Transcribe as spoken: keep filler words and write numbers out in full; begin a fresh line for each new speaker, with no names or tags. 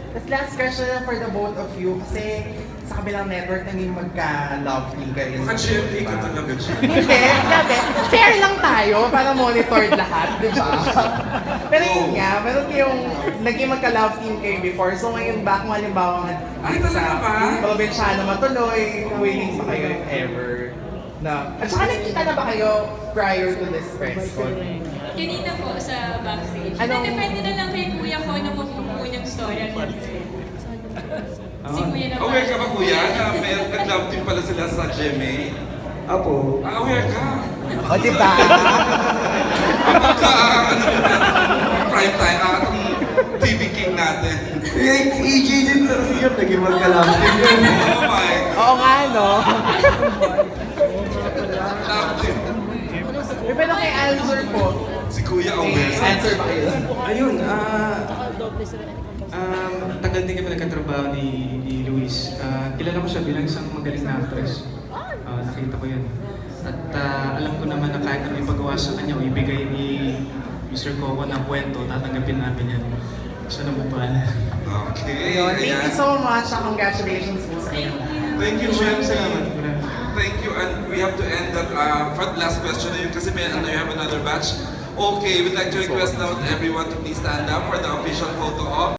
Tapos last question na for the both of you, kasi sa kabilang network naging magka-love team kayo.
Baka G M A ka talaga siya.
Hindi, hindi. Fair lang tayo para monitored lahat, di ba? Pero yun nga, meron yung naging magka-love team kayo before. So ngayon back mo halimbawa nga
Ay,
dito
talaga ba?
probinsyano matuloy, willing ba kayo if ever? Na, at saka nagkita na ba kayo prior to this press con?
Kanina po sa backstage.
Anong-
Anong... Depende na lang kay kuya ko na mapupuno yung storya niya. Si kuya naman.
Aware ka ba kuya na may nag-love team pala sila sa G M A?
Apo,
Ah, aware ka?
O, di ba?
Baka, ano, prime time, ah, itong T V king natin.
si E J din sa siya naging magkalapit.
Oh my,
Oo nga, no?
love team.
Eh, pero kay Alzor po,
Si kuya
may
aware sa
answer ba kayo?
Ayun, ah... um, tagal din kami nagkatrabaho ni, ni Luis. Ah, kilala ko siya bilang isang magaling na actress. Ah, nakita ko yan. At ah, alam ko naman na kahit ano ipagawa sa kanya o ibigay ni mister Coco ng kwento, tatanggapin namin yan. Siya na bubala.
Okay,
Ayun, thank you
ayan.
so much. at Congratulations po sa inyo.
Thank you,
Maraming
Shem.
salamat.
Thank you, and we have to end that uh, for the last question na yun kasi may ano, you have another batch. Okay, we'd like to request now everyone to please stand up for the official photo op.